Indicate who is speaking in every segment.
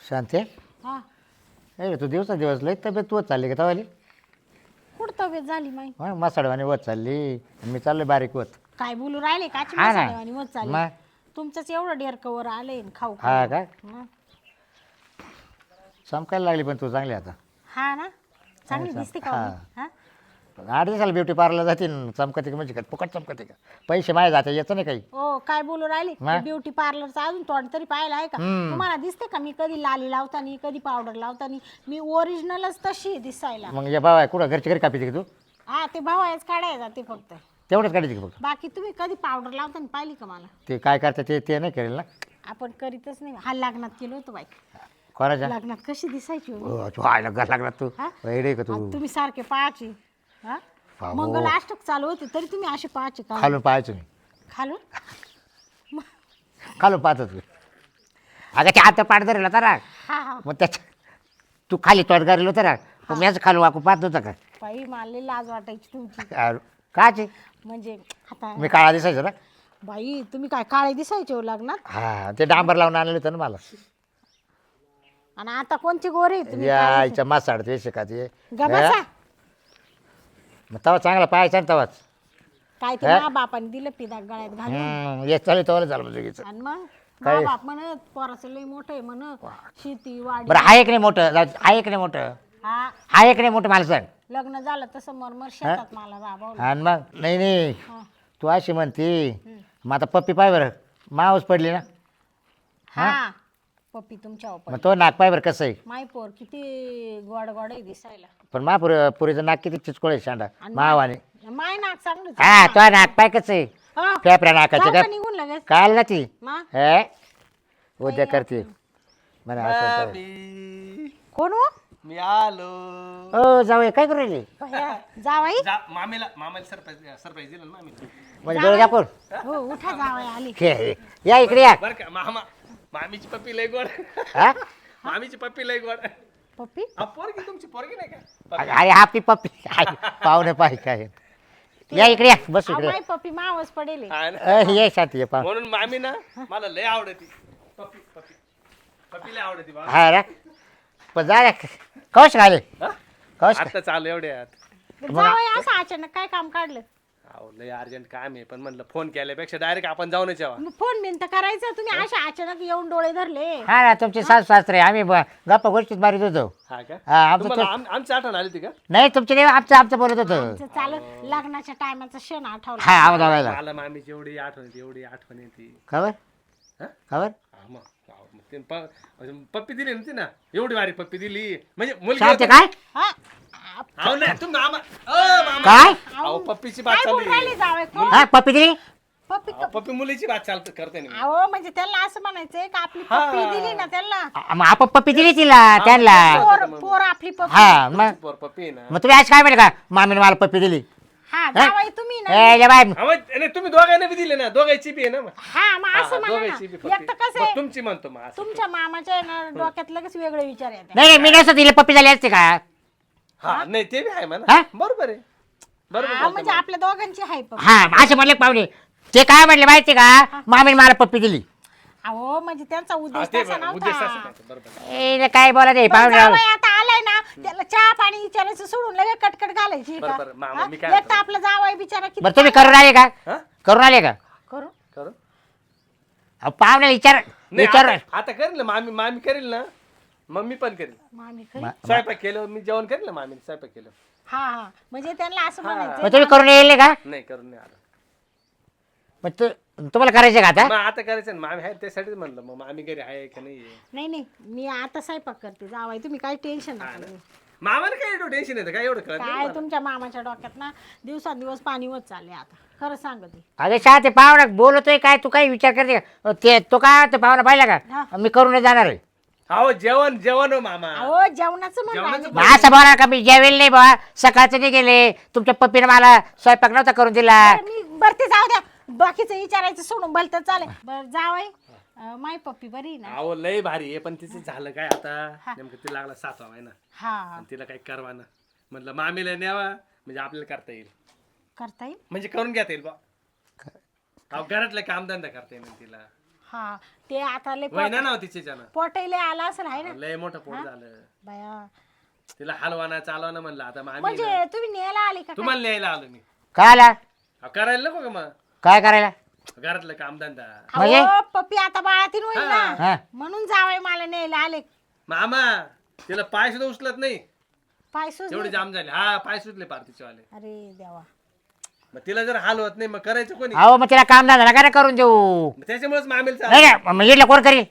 Speaker 1: शांती
Speaker 2: हा
Speaker 1: ए तू दिवस लई तब्येत वत चालली का तवाली
Speaker 2: कुठं तब्येत झाली माई
Speaker 1: मसाडवानी वत चालली आणि मी चाललोय बारीक वत
Speaker 2: काय बोलू राहिले काची
Speaker 1: हा ना.
Speaker 2: मसालेवाणी मत चालली
Speaker 1: मग?
Speaker 2: तुमचंच एवढं डेरकवर आलंय न खाऊ
Speaker 1: हा
Speaker 2: खाऊ.
Speaker 1: का
Speaker 2: हं.
Speaker 1: चमकायला लागली पण तू चांगली आता
Speaker 2: हा ना चांगली दिसते का
Speaker 1: हा.
Speaker 2: मी? हा
Speaker 1: 8 दिवसाला ब्युटी पार्लरला जाते न, चमकते का म्हणजे काय फुकट चमकते का पैसे माझे जाते याचं नाही काही
Speaker 2: ओ काय बोलू राहिले
Speaker 1: मग?
Speaker 2: ब्युटी पार्लरचा अजून तोंड तरी पाहिलं आहे का
Speaker 1: हम्म.
Speaker 2: तुम्हाला दिसते का मी कधी लाली लावतानी कधी पावडर लावतानी मी ओरिजिनलच तशी आहे दिसायला.
Speaker 1: मग या बाबा कुठं घरची घरी कापी का तू
Speaker 2: हा ते भावायच काढायला जाते फक्त
Speaker 1: तेवढंच काढायची का फक्त
Speaker 2: बाकी तुम्ही कधी पावडर लावताना पाहिली का मला?
Speaker 1: ते काय करते ते नाही करेल ना
Speaker 2: आपण करीतच नाही हा लग्नात केलं होतं बाई
Speaker 1: कोणाच्या
Speaker 2: लग्नात कशी दिसायची हो?
Speaker 1: तू आयला घर लागला तू
Speaker 2: हा?
Speaker 1: वेडे का तू
Speaker 2: आणि तुम्ही सारखे पाहायचे हा
Speaker 1: बाबो.
Speaker 2: मंगल अष्टक चालू होते तरी तुम्ही असे पाहायचे का
Speaker 1: खालून पाहायचो मी
Speaker 2: खालून
Speaker 1: खालून पाहतो तू अगं ते आता पाठ धरला तर
Speaker 2: हा हा
Speaker 1: मग त्याच्या तू खाली तोट गारेल होतं ना मग मी असं खालून वाकून पाहत नव्हता का
Speaker 2: बाई मला लई लाज वाटायची तुमची
Speaker 1: काचे
Speaker 2: म्हणजे आता
Speaker 1: मी काळा दिसायचो ना
Speaker 2: बाई तुम्ही काय काळे दिसायचे हो लग्नात
Speaker 1: हा ते डांबर लावून आणलं होतं ना मला
Speaker 2: आणि आता कोणते गोरे आहे तुम्ही
Speaker 1: या
Speaker 2: काय
Speaker 1: आईच्या मासाड ते शिका ते
Speaker 2: दिसाय? ग बसा.
Speaker 1: मग तवा चांगला पाहायचा ना तवाच
Speaker 2: काय ते
Speaker 1: हा?
Speaker 2: मा बापाने दिलं पिदा गळ्यात घालून
Speaker 1: ये चालेल तवाला झालं म्हणजे
Speaker 2: आणि मग
Speaker 1: काय?
Speaker 2: मा बाप म्हणत पोराचं लई मोठं आहे म्हण शेती वाडी
Speaker 1: बरं आहे की नाही मोठं आहे की नाही मोठं
Speaker 2: हा
Speaker 1: आहे की नाही मोठं मला सांग
Speaker 2: लग्न झालं तसं मरमर शेतात मला राबवलं
Speaker 1: आणि मग नाही
Speaker 2: हा.
Speaker 1: तू अशी म्हणती मग आता पप्पी पाय बरं मावस पडली ना
Speaker 2: हा पप्पी तुमच्या
Speaker 1: मग तो नाक पाय बरं कसं आहे
Speaker 2: माय पोर किती गोड गोड आहे दिसायला
Speaker 1: पण मा पुरीचं नाक किती चिचकोळ आहे शांडा
Speaker 2: आणि
Speaker 1: मावाने
Speaker 2: माय नाक चांगलं
Speaker 1: हा तो नाक पाय कसं आहे
Speaker 2: हा.
Speaker 1: फेफऱ्या नाकाचे
Speaker 2: जाऊ
Speaker 1: काय
Speaker 2: का निघून लगेच
Speaker 1: काल ना ती
Speaker 2: मा
Speaker 1: हे उद्या करते म्हणे असं तर.
Speaker 3: मामी,
Speaker 2: कोण हो
Speaker 3: मी आलो
Speaker 1: ओ जाऊ काय करू राहिली
Speaker 2: जावाई
Speaker 3: मामाला सरप्राईज दिलं ना मामीला
Speaker 1: म्हणजे डोळे दाखवून
Speaker 2: हो उठा जावाई आली
Speaker 1: हे, या इकडे या
Speaker 3: बरं का मामीची पप्पी लय गोड
Speaker 1: हा?
Speaker 3: मामीची पप्पी लय गोड
Speaker 2: पप्पी
Speaker 3: पोरगी तुमची पोरगी नाही का
Speaker 1: अरे हा पी पप्पी पाहुणे पाहि काय या इकडे या बस
Speaker 2: अहो,
Speaker 1: इकडे
Speaker 2: माय पप्पी मावस पडेल
Speaker 3: हा ना.
Speaker 1: ये शांती ये पाहू
Speaker 3: म्हणून मामी ना मला लय आवडती पप्पी पप्पी पप्पी लय आवडती बा
Speaker 1: हा रे पण जा कौश घाले
Speaker 3: हा?
Speaker 1: कौश
Speaker 3: आता चालू एवढ्यात
Speaker 2: जावाई असं अचानक काय काम काढलं
Speaker 3: अहो लय अर्जंट काम आहे पण म्हणलं फोन केल्यापेक्षा डायरेक्ट आपण जाऊनच यावा
Speaker 2: मग फोन बिन तर करायचं तुम्ही अशा अचानक येऊन डोळे धरले
Speaker 1: हा ना तुमचे सासू सासरे आम्ही गप्पा गोष्टीत मारित होतो
Speaker 3: हा का
Speaker 1: हा आमचं
Speaker 3: तुम्हाला आमची आठवण आली होती का
Speaker 1: नाही तुमचे नाही आमचं बोलत होतं
Speaker 2: आमचं चालू लग्नाच्या टायमाचा क्षण आठवला
Speaker 1: हा आवाज आवायला
Speaker 3: मला मामीची एवढी आठवण येते
Speaker 1: खबर
Speaker 3: हा?
Speaker 1: खबर
Speaker 3: हा मग ते पप्पी दिली नव्हती ना एवढी वारी पप्पी दिली म्हणजे मुलगी
Speaker 1: शांती
Speaker 3: होती.
Speaker 1: काय
Speaker 2: हा?
Speaker 3: अहो नाही तुम्ही मामा
Speaker 1: काय
Speaker 3: अहो पप्पीची बात
Speaker 2: काय बोलून
Speaker 3: चालली
Speaker 2: राहिले जावई कोण?
Speaker 1: हा पप्पी दिली
Speaker 2: पप्पी
Speaker 3: पप्पी मुलीची बात चालत करते ना मी.
Speaker 2: अहो म्हणजे त्यांना असं म्हणायचंय का आपली पप्पी दिली ना त्यांना
Speaker 1: मग आपण पप्पी दिली तिला त्यांना
Speaker 2: पोर आपली पप्पी
Speaker 1: हा मग
Speaker 3: पप्पी आहे ना
Speaker 1: मग तुम्ही आज काय म्हणले का मामीने मला पप्पी दिली
Speaker 2: हा जावाई तुम्ही ना
Speaker 1: ए ले बाय
Speaker 3: अहो, नाही तुम्ही दोघांना बी दिले ना दोघांची बी आहे ना मग.
Speaker 2: हा मग असं
Speaker 3: हा,
Speaker 2: म्हणा
Speaker 3: दोघांची बी
Speaker 2: ना एक तर कसं
Speaker 3: मग
Speaker 2: आहे
Speaker 3: तुमची म्हणतो मग असं.
Speaker 2: तुमच्या मामाच्या आहे ना डोक्यात लगेच वेगळे विचार येतात
Speaker 1: नाही मी नसतं दिली पप्पी झाली असते का
Speaker 3: हा नाही ते बी आहे
Speaker 1: हा?
Speaker 3: म्हणा बरोबर आहे बरोबर
Speaker 2: हा,
Speaker 3: बोलतो
Speaker 2: म्हणजे
Speaker 3: मग.
Speaker 2: आपल्या दोघांची हाय पप्पी
Speaker 1: हा असे म्हणले पाहुणे ते काय म्हणले माहिती का मामीने मला पप्पी दिली
Speaker 2: अहो म्हणजे त्यांचा
Speaker 3: हा,
Speaker 2: उद्देश
Speaker 3: ते
Speaker 2: तसा
Speaker 3: उद्देश असं
Speaker 2: नव्हता
Speaker 3: नव्हतं, बरोबर
Speaker 1: ए काय बोला ते
Speaker 2: पण
Speaker 1: पाहुणे
Speaker 2: जावई आता आलाय ना त्याला चहा पाणी विचारायचं सोडून लगे कटकट घालायची का?
Speaker 3: बरं, मामा,
Speaker 2: हा?
Speaker 3: मी काय
Speaker 2: एक तर
Speaker 3: म्हणतो?
Speaker 2: आपला जावाई बिचारा किती
Speaker 1: बरं तुम्ही करून आले का
Speaker 3: हा
Speaker 1: करून आले का
Speaker 2: करू
Speaker 3: करू
Speaker 1: अहो, पाहुणे विचार
Speaker 3: नाही
Speaker 1: विचार
Speaker 3: आता करेल ना मामी करेल ना मम्मी पण करेल
Speaker 2: मामी खरी
Speaker 3: स्वयंपाक केलं मी जेवण करेल ना मामी स्वयंपाक केलं
Speaker 2: हा हा म्हणजे त्यांना असं म्हणायचं
Speaker 1: मग तुम्ही करून येईल का
Speaker 3: नाही करून नाही आलं
Speaker 1: मग तुम्हाला करायचं का आता
Speaker 3: मग आता करायचं ना मामी आहे त्यासाठीच म्हणलं मग मामी घरी आहे का नाही
Speaker 2: नाही नाही मी आता स्वयंपाक करते जावाई तुम्ही काही टेन्शन नका घेऊ.
Speaker 3: मामाला काय एवढं टेन्शन येतं काय एवढं कळत नाही
Speaker 2: काय
Speaker 3: मला.
Speaker 2: तुमच्या मामाच्या डोक्यात ना दिवसांदिवस पाणी होत चालले आता खरं सांगते
Speaker 1: अरे शाळा ते पाहुणा बोलतोय काय तू काही विचार करते का ते तो काय ते पाहुणा पाहिला
Speaker 2: हा.
Speaker 1: का मी करून जाणार आहे
Speaker 3: अहो जेवण हो मामा
Speaker 2: अहो जेवणाचं म्हण
Speaker 3: जेवणाचं
Speaker 2: राहिलं.
Speaker 1: मग असं बोला का मी जेवेल नाही बा सकाळचं नाही गेले तुमच्या पप्पीने मला स्वयंपाक नव्हता करून दिला
Speaker 2: बरं, मी बरं ते जाऊ द्या बाकीचं विचारायचं सोडून भलतं चालेल बरं जावाई माय पप्पी बरी आहे ना
Speaker 3: अहो लय भारी आहे पण तिचं झालं काय आता नेमकं तिला लागला 7वा महिना
Speaker 2: हा
Speaker 3: आणि तिला काही करवाना म्हटलं मामीला न्यावा म्हणजे आपल्याला करता येईल
Speaker 2: करता येईल
Speaker 3: म्हणजे करून घेता येईल बा अहो घरातलं कामधंदा करता येईल तिला
Speaker 2: हा ते आता लय
Speaker 3: वहिना नाव तिच्यानं
Speaker 2: पोटायला आला असेल आहे ना
Speaker 3: लय मोठं पोट झालं
Speaker 2: बाया
Speaker 3: तिला हलवाना चालवाना म्हणलं आता मग आम्ही
Speaker 2: म्हणजे तुम्ही न्यायला आले का
Speaker 3: तुम्हाला न्यायला आलो मी
Speaker 1: काय आला
Speaker 3: अहो, करायला नको का मग
Speaker 1: काय करायला
Speaker 3: घरातलं कामधंदा
Speaker 1: म्हणजे?
Speaker 2: अहो, पप्पी आता बाळातीन होईल
Speaker 3: हा.
Speaker 2: ना म्हणून जावई मला न्यायला आले
Speaker 3: मामा तिला पाय सुद्धा उचलत नाही
Speaker 2: पाय सुजले.
Speaker 3: तेवढे जाम झाले हा पाय सुटले पार्टीचे वाले
Speaker 2: अरे देवा
Speaker 3: मग तिला जर हलवत नाही मग करायचं कोणी
Speaker 1: अहो मग तिला काम धंदा काय करून देऊ
Speaker 3: मग त्याच्यामुळेच मामेल
Speaker 1: नाही नाही मग इडलं कोण करील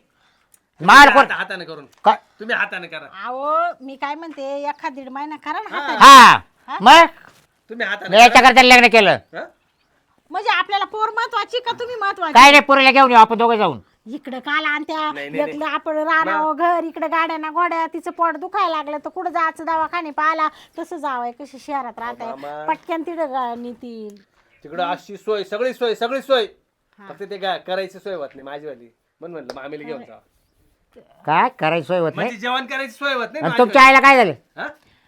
Speaker 1: माल कोण
Speaker 3: हाताने करून
Speaker 1: काय?
Speaker 3: तुम्ही हाताने करा
Speaker 2: अहो मी काय म्हणते एखाद दीड महिना करा ना हाताने.
Speaker 1: हा मग
Speaker 3: तुम्ही
Speaker 1: मी
Speaker 3: हाताने
Speaker 1: याच्याकरता लग्न केलं
Speaker 3: हा?
Speaker 2: म्हणजे आपल्याला पोर महत्वाची का तुम्ही महत्वाची
Speaker 1: काय नाही पुरीला घेऊन येऊ आपण दोघं जाऊन
Speaker 2: इकडं काल आणत्या
Speaker 3: नाही, नाही,
Speaker 2: इकडं आपण राहणार घर इकडे गाड्या ना गोड्या तिचं पोट दुखायला लागलं तर कुठं जायचं दवाखाने पाहिला तसं जावंय कशी शहरात राहताय
Speaker 3: मामा.
Speaker 2: पटक्यान तिथं नेतील
Speaker 3: तिकडं अशी सोय सगळी सोय फक्त ते काय करायची सोय होत नाही माझीवाली म्हणून म्हणलं मामेला घेऊन जा
Speaker 1: काय करायची सोय होत नाही
Speaker 3: म्हणजे जेवण करायची सोय होत नाही
Speaker 1: आणि तुमच्या आईला काय झालं
Speaker 3: हा?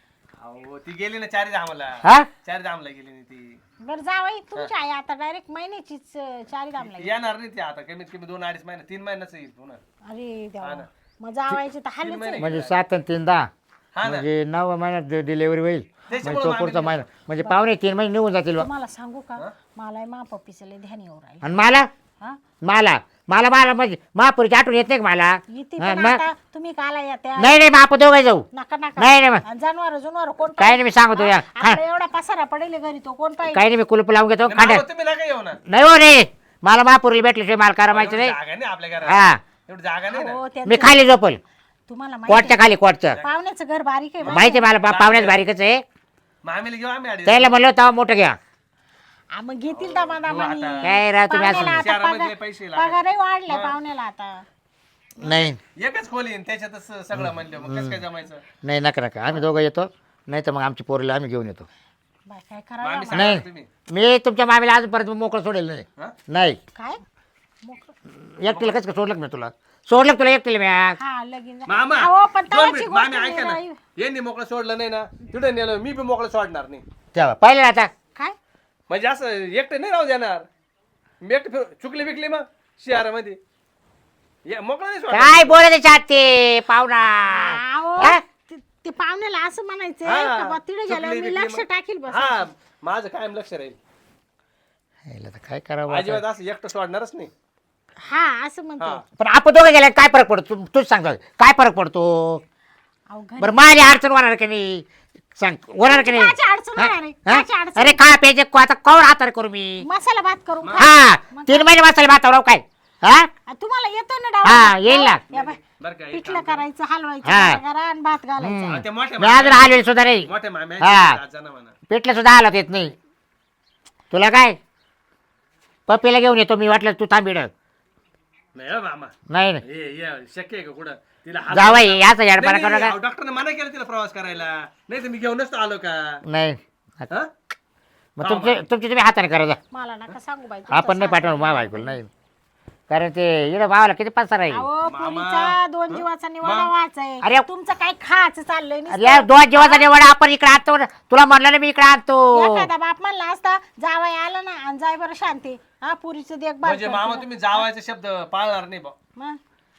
Speaker 3: अहो ती गेली ना चारी धामाला
Speaker 1: हा
Speaker 3: चारी धामला गेली ना ती
Speaker 2: बरं जावई तुमची आई आता डायरेक्ट महिन्याचीच चारी दाम लागली
Speaker 3: येणार नाही ती आता कमीत कमी 2-2.5 महिने 3 महिन्याचं येईल पुन्हा
Speaker 2: अरे देवा
Speaker 3: ना.
Speaker 2: मग जावायची तर हालच आहे.
Speaker 1: म्हणजे 7 आणि 3 10
Speaker 3: हा ना
Speaker 1: म्हणजे 9 महिन्यात डिलिव्हरी होईल म्हणजे
Speaker 3: त्याच्यामुळे
Speaker 1: तो पुढचा महिना म्हणजे पावणे 3 महिने निघून जातील बा.
Speaker 2: तुम्हाला सांगू का मला मा पप्पीचं लय ध्यान येऊ राहिलं
Speaker 1: आणि मला
Speaker 2: हा
Speaker 1: मला मला मला म्हणजे महापुरीची आठवण येत नाही का मला
Speaker 2: येते
Speaker 1: हा,
Speaker 2: पण
Speaker 1: मग?
Speaker 2: आता तुम्ही काला येत्या
Speaker 1: नाही नाही मग आपण दोघं जाऊ
Speaker 2: नका नका
Speaker 1: नाही नाही मग
Speaker 2: जनावर कोण
Speaker 1: काही नाही मी सांगतो या
Speaker 2: आपला एवढा पसारा पडेल घरी तो कोण पाहिजे
Speaker 1: काही नाही मी कुलूप लावून घेतो खांड्या
Speaker 3: मामा, तुम्ही नका येऊ ना
Speaker 1: नाही हो नाही मला महापुरीला भेटल्याशिवाय मला करा माहिती
Speaker 3: एवढी
Speaker 1: नाही
Speaker 3: जागा नाही आपल्या घरात
Speaker 1: हा
Speaker 3: एवढी जागा नाही ना
Speaker 2: हो, त्यांचं-
Speaker 1: मी खाली झोपल
Speaker 2: तुम्हाला माहिती
Speaker 1: कोटच्या खाली कोटचं
Speaker 2: आहे, पाहुण्याचं घर बारीक आहे बा.
Speaker 1: माहिती आहे मला पाहुण्यात बारीकच आहे
Speaker 3: मामेला घेऊ आम्ही अडीच
Speaker 1: त्याला म्हणलं तेव्हा मोठं घ्या
Speaker 2: हा, मग घेतील दामा दामानी
Speaker 3: आता.
Speaker 1: काय राव तुम्ही असं
Speaker 2: पाहुण्याला आता
Speaker 3: शहरामधले पैसे लागले.
Speaker 2: पगारही वाढलाय पाहुण्याला आता
Speaker 1: नाही
Speaker 3: एकच खोली आहे, त्याच्यातच सगळं म्हणलं मग कसं काय जमायचं
Speaker 1: नाही नका नका आम्ही दोघं येतो नाही तर मग आमची पोरीला आम्ही घेऊन येतो
Speaker 2: बाय काय करावं
Speaker 3: मामी
Speaker 2: आम्हाला?
Speaker 3: सांगा
Speaker 1: नाही
Speaker 3: तुम्ही
Speaker 1: मी तुमच्या मामीला अजूनपर्यंत मोकळं सोडेल नाही
Speaker 3: हा?
Speaker 1: नाही
Speaker 2: काय मोकळं.
Speaker 1: एकटीला कसं काय सोडलं का मी तुला सोडलं का तुला एकटीला मी आज?
Speaker 2: हा लगीन झालं.
Speaker 3: मामा
Speaker 2: अहो, पण
Speaker 3: 2
Speaker 2: तवाची
Speaker 3: मिनिट
Speaker 2: गोष्ट
Speaker 3: मामी ऐका ना
Speaker 2: नाही.
Speaker 3: यांनी मोकळं सोडलं नाही ना तिथे नेलं मी बी मोकळं सोडणार नाही
Speaker 1: तेव्हा पाहिलं ना आता
Speaker 2: काय
Speaker 3: म्हणजे असं एकटं नाही राहू देणार मी एकटं चुकली बिकली मग शहरामध्ये मोकळं नाही सोडणार
Speaker 1: काय बोलत चाट ते पाहुणा
Speaker 2: अहो,
Speaker 1: हा?
Speaker 2: ते पाहुण्याला असं म्हणायचंय
Speaker 3: हा,
Speaker 2: का बा तिथे
Speaker 3: चुकली
Speaker 2: गेल्यावर मी
Speaker 3: बिकली
Speaker 2: लक्ष
Speaker 3: मग.
Speaker 2: टाकील बस
Speaker 3: हा माझं कायम लक्ष राहील
Speaker 1: याला तर काय करावं आता?
Speaker 3: अजिबात असं एकटं सोडणारच नाही
Speaker 2: हा असं म्हणते
Speaker 3: हा
Speaker 1: पण आपण दोघं गेल्या काय फरक पडतो तूच सांग काय फरक पडतो
Speaker 2: अहो घरी
Speaker 1: बरं माझी अडचण होणार की नाही सांग होणार की नाही
Speaker 2: काची अडचण होणार आहे?
Speaker 1: हा?
Speaker 2: काची अडचण?
Speaker 1: अरे खा प्यायचे आता कवर हातार करू मी
Speaker 2: मसाला भात करून खा.
Speaker 1: हा
Speaker 2: मग
Speaker 1: 3 महिने मसाले भातावर काय हा
Speaker 2: आ, तुम्हाला येतो ना
Speaker 1: हा,
Speaker 2: डाव
Speaker 1: येईल ना.
Speaker 2: या बाय,
Speaker 3: बरं का एक
Speaker 2: पिठलं करायचं हलवायचं
Speaker 1: हा.
Speaker 2: करा आणि भात घालायचा
Speaker 3: हा, ते मोठ्या
Speaker 1: मी अजून हलवेल सुद्धा नाही
Speaker 3: मोठ्या माम्या
Speaker 1: हा.
Speaker 3: जाना म्हणा
Speaker 1: पेटलं सुद्धा हालत येत नाही तुला काय पप्पीला घेऊन येतो मी वाटलं तू थांबिड
Speaker 3: नाही हो मामा
Speaker 1: नाही नाही
Speaker 3: हे शक्य आहे का कुठं तिला हात-
Speaker 1: जावाई याचा याडपाना करू नका
Speaker 3: अहो, डॉक्टरने मना केलं तिला प्रवास करायला नाही तर मी घेऊनच तर आलो का
Speaker 1: नाही
Speaker 3: हा?
Speaker 1: मग तुमचे तुम्ही हाताने करा जा
Speaker 2: मला नका सांगू बाई
Speaker 1: आपण नाही पाठवणार मा बायकोला नाही कारण ते इकडे भावाला किती पसार आहे
Speaker 2: अहो पुरीचा 2 जीवाचा निवाडा व्हायचाय
Speaker 1: अरे.
Speaker 2: तुमचं काय खायचं चाललंय नुसतं.
Speaker 1: अरे 2 जेवाचा निवड आपण इकडे आणतो तुला म्हणलं ना मी इकडे आणतो
Speaker 2: एखादा बाप म्हणला असता जावाय आला ना आणि जाय बरं शांती हा पुरीचं देखभाल
Speaker 3: म्हणजे मामा तुम्ही जावायचा शब्द पाळणार नाही बा
Speaker 2: मग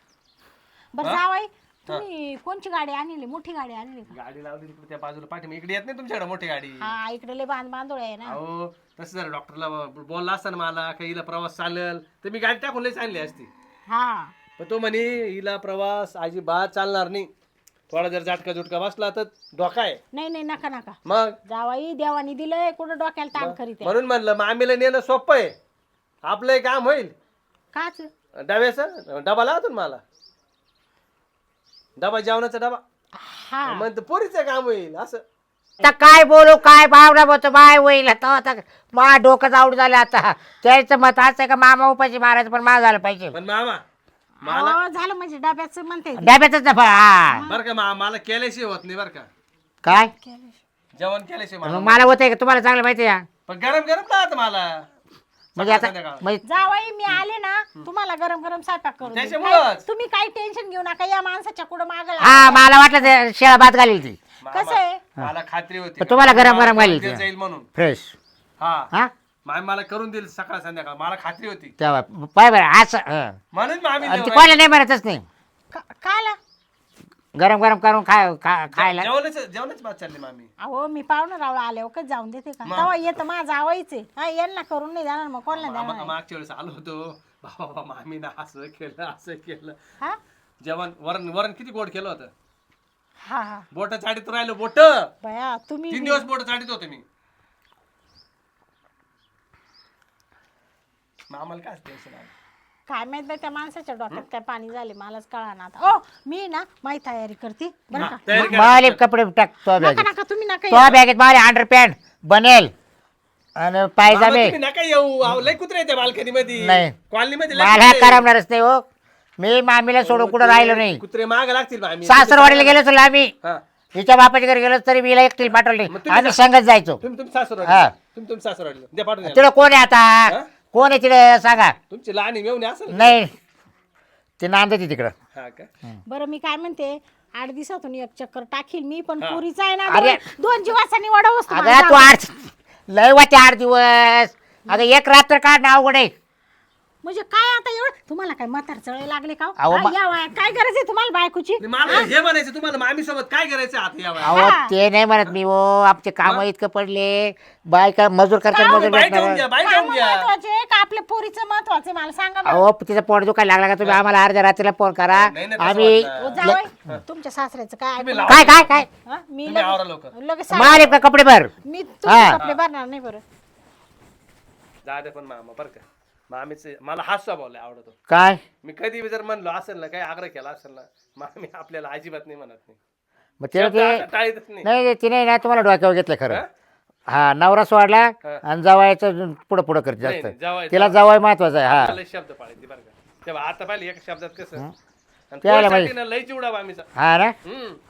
Speaker 2: बरं जावाई तुम्ही कोणची गाडी आणली मोठी गाडी आणली का
Speaker 3: गाडी लावली तिकडे त्या बाजूला पाठी इकडे येत नाही तुमच्याकडे मोठी गाडी
Speaker 2: हा इकडे लय बांधोळ आहे ना
Speaker 3: अहो तसं जर डॉक्टरला बोलला असता ना मला का हिला प्रवास चालेल तर मी गाडी टाकून लयच आणली असती
Speaker 2: हा
Speaker 3: पण तो म्हणे हिला प्रवास अजिबात चालणार नाही थोडा जर झटका झुटका बसला तर धोका आहे
Speaker 2: नाही नाही नका नका
Speaker 3: मग
Speaker 2: जावाई देवानी दिलंय कुठं डोक्याला ताण करीत आहे.
Speaker 3: म्हणून म्हणलं मामीला नेणं सोपं आहे आपलं हे काम होईल
Speaker 2: काच
Speaker 3: डब्याचं डबा लावतो ना मला डबा जेवणाचा डबा
Speaker 2: हा
Speaker 3: म्हणतो पोरीचं काम होईल असं
Speaker 1: आता काय बोलू काय भावना बोलतो बाय होईल आता मा डोकं आवड झालं आता त्याचं मत असं आहे का मामा उपाशी मारायचं पण मा झालं पाहिजे
Speaker 3: पण मामा
Speaker 2: अहो, झालं म्हणजे डब्याचं म्हणते
Speaker 1: डब्यातच ना हा
Speaker 3: बरं का मला केल्याशिवाय होत नाही बरं का
Speaker 1: काय
Speaker 3: जेवण केल्याशिवाय
Speaker 1: मग मला होतंय का तुम्हाला चांगलं माहिती आहे का?
Speaker 3: पण गरम गरम राहत मला
Speaker 1: म्हणजे आता
Speaker 3: संध्याकाळ.
Speaker 1: म्हणजे
Speaker 2: जावाई मी आले ना तुम्हाला गरम गरम स्वयंपाक करून देईन.
Speaker 3: त्याच्यामुळंच.
Speaker 2: काय- तुम्ही काही टेन्शन घेऊ नका या माणसाच्या कुठं मागला
Speaker 1: हा मला वाटलं ते शेळा भात घालील ती
Speaker 3: मामा,
Speaker 2: कसं आहे
Speaker 3: मला खात्री होती
Speaker 1: पण तुम्हाला गरम गरम घालील
Speaker 3: ते
Speaker 1: ती.
Speaker 3: जाईल म्हणून
Speaker 1: फ्रेश
Speaker 3: हा
Speaker 1: हा
Speaker 3: मामी मला करून देईल सकाळ संध्याकाळ, मला खात्री होती.
Speaker 1: तेव्हा पाय बरं असं हं.
Speaker 3: म्हणून मामी
Speaker 1: आणि ते कोणाला नाही म्हणतच नाही.
Speaker 2: काला
Speaker 1: गरम गरम करून खायला
Speaker 3: जेवणच बात चालली मामी.
Speaker 2: अहो मी पाहुणं राव आल्यावर कधी जाऊन देते का? तेव्हा येतं माझं आवायचे हा, यांना करून नाही जाणार मग कोणाला देणार?
Speaker 3: मागच्या वेळेस आलो होतो, बाबा मामीनं असं केलं.
Speaker 2: हा
Speaker 3: जेवण वरण वरण किती गोड केलं होतं.
Speaker 2: हा हा
Speaker 3: बोट चाटीत राहिलो, बोट
Speaker 2: बया तुम्ही
Speaker 3: 3 दिवस बोट चाटीत होते मी. आम्हाला काय टेन्शन आलं.
Speaker 2: काय माहित बाई त्या माणसाच्या डोक्यात काय पाणी झाले मलाच कळा ना आता. ओ मी ना माझी तयारी करते बरं का?
Speaker 3: तयारी करा.
Speaker 1: माले कपडे टाक तो
Speaker 2: नका
Speaker 1: बॅगेत
Speaker 2: नका तुम्ही नका
Speaker 1: तो बॅगेत माले अंडरपॅन्ट बनेल आणि
Speaker 3: मामा,
Speaker 1: पायजामे.
Speaker 3: तुम्ही नका येऊ. अहो, लय कुत्रे येते बाल्कनी मध्ये,
Speaker 1: नाही.
Speaker 3: कॉलनी मध्ये
Speaker 1: मला करमणारच नाही हो. मी मामीला सोडून कुठं राहिलो नाही.
Speaker 3: कुत्रे माग लागतील मामी.
Speaker 1: सासरवाडीला गेलो तर आम्ही
Speaker 3: हा.
Speaker 1: हिच्या बापाच्या घरी गेलो तरी मीला एकटी पाठवले.
Speaker 3: मग तुम्ही
Speaker 1: आम्ही संगत जायचो.
Speaker 3: तुम्ही सासर
Speaker 1: हा.
Speaker 3: तुम्ही सासर द्या पाठवून द्या.
Speaker 1: तिकडे कोण आहे आता? कोण आहे तिकडे सांगा?
Speaker 3: तुमची लहान मेवणी असेल.
Speaker 1: नाही ते नांदते तिकडं.
Speaker 3: हा का?
Speaker 2: बरं मी काय म्हणते 8 दिवसातून एक चक्कर टाकील मी पण पुरीचा आहे ना
Speaker 1: अरे.
Speaker 2: दोन जीवाचा निवड वस्तू
Speaker 1: अगं तू 8 लय वाटे 8 दिवस. अगं एक रात्र काढ ना अवघड आहे.
Speaker 2: म्हणजे काय आता एवढं तुम्हाला काय म्हातार चळे लागले का?
Speaker 1: अहो,
Speaker 2: हा, या वयात काय गरज आहे तुम्हाला बायकोची?
Speaker 3: आणि मला हे म्हणायचं तुम्हाला मामी सोबत काय करायचं आता या वयात?
Speaker 1: अहो ते नाही म्हणत मी हो. आमचे काम इतकं पडले. बायका मजूर करतात मजूर
Speaker 3: बाई घेऊन
Speaker 1: भेटणार.
Speaker 3: घ्या, बाई
Speaker 2: काम
Speaker 3: घेऊन घ्या.
Speaker 2: महत्वाचे का आपल्या पोरीचं महत्वाचे मला सांगा बरं.
Speaker 1: अहो तिचा पोट दुखायला लागला का तुम्ही आम्हाला अर्ध्या रात्रीला फोन करा.
Speaker 3: नाही, नाही, तसं
Speaker 1: आम्ही
Speaker 3: वाटलं.
Speaker 2: ओ, जावई, तुमच्या सासऱ्याचं काय
Speaker 3: तुम्ही
Speaker 2: ऐकून-
Speaker 3: लावा.
Speaker 1: काय काय काय
Speaker 2: हा, मी
Speaker 3: तुम्ही आवरा लवकर.
Speaker 2: लगेच
Speaker 1: मारे का कपडे भर.
Speaker 2: मी
Speaker 1: हा.
Speaker 2: तुमचे कपडे भरणार नाही बरं.
Speaker 3: जा दे पण मामा बरं का. मामीच मला हाच स्वभाव लय आवडतो.
Speaker 1: काय
Speaker 3: मी कधी बी जर म्हणलो असेल ना, काही आग्रह केला असेल ना, मामी आपल्याला अजिबात नाही म्हणत नाही.
Speaker 1: मग तिला
Speaker 3: शब्द
Speaker 1: ते
Speaker 3: आता टाळीतच नाही.
Speaker 1: नाही तिने ना तुम्हाला डोक्यावर घेतलं खरं.
Speaker 3: हा?
Speaker 1: हा नवरा सोडला
Speaker 3: हा.
Speaker 1: आणि जावायचं पुढं पुढं करते
Speaker 3: नाही, नाही,
Speaker 1: जास्त.
Speaker 3: जावई-
Speaker 1: तिला जावाय महत्वाचं आहे. हा
Speaker 3: मला शब्द पाळायचे बरं का. तेव्हा आता पाहिले एक शब्दात कसं आणि
Speaker 1: त्याला
Speaker 3: पोरासाठी ना लय चिवडा मामीचा.
Speaker 1: हा ना.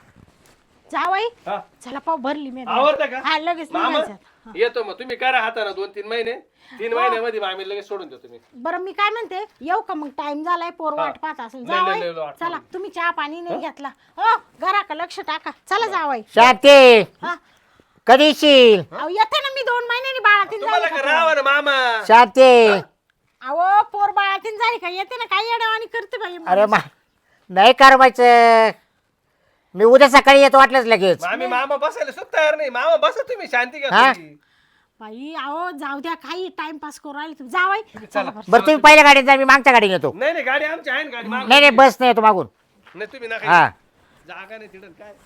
Speaker 2: जावई
Speaker 3: हा.
Speaker 2: चला पाव भरली मी
Speaker 3: आवडतं का?
Speaker 2: हा लगेच
Speaker 3: मामा
Speaker 2: निघायचं.
Speaker 3: येतो मग तुम्ही करा हाताना 2-3 महिने. 3 महिन्यामध्ये मामी लगेच सोडून देतो मी.
Speaker 2: बरं मी काय म्हणते येऊ का मग टाइम झालाय पोर वाट पाहत असेल.
Speaker 3: लय- लय- लय
Speaker 2: जावई
Speaker 3: वाट
Speaker 2: चला तुम्ही चहा पाणी नाही घेतला. हो घरा का लक्ष टाका. चला जावई.
Speaker 1: शांती
Speaker 2: हा
Speaker 1: कधी येशील?
Speaker 2: अहो येते ना मी 2 महिन्यांनी बाळातीन
Speaker 3: तुम्हाला
Speaker 2: झाली
Speaker 3: का
Speaker 2: का?
Speaker 3: राहावं ना मामा.
Speaker 1: शांती
Speaker 2: अहो पोर बाळातीन झाली का येते ना काही अडवाणी करते बाई.
Speaker 1: अरे नाही करवायचं. मी उद्या सकाळी येतो वाटलंच लगेच.
Speaker 3: मामा बसायला सुद्धा तयार नाही. मामा बसा तुम्ही, शांती घ्या
Speaker 1: हा?
Speaker 3: थोडी.
Speaker 2: बाई अहो जाऊ द्या काही टाइमपास करू राहिले तुम्ही. जावई
Speaker 3: चला.
Speaker 1: बरं तुम्ही पहिल्या गाडीत जा मी मागच्या गाडीत येतो.
Speaker 3: नाही नाही गाडी आमची आहे ना, गाडी मागून
Speaker 1: नाही नाही
Speaker 3: घे.
Speaker 1: बस नाही येतो मागून.
Speaker 3: नाही तुम्ही नका
Speaker 1: हा
Speaker 3: येऊ. जागा नाही तिथं काय.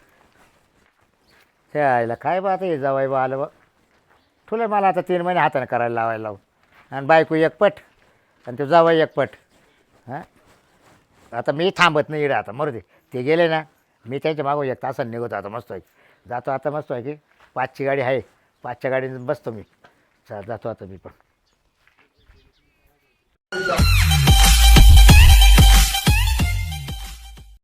Speaker 1: खेळायला काय बा आता हे जावाय बा आलं बा. तुला मला आता 3 महिने हाताने करायला लावायला लावून आणि बायको एकपट आणि तो जावाई एकपट. हां आता मी थांबत नाही इकडे आता मरू दे. ते गेले ना मी त्यांच्या मागून 1 तासाने निघतो आता मस्त आहे. जातो आता मस्त आहे की 5ची गाडी आहे. 5च्या गाडीने बसतो मी. जातो आता मी पण.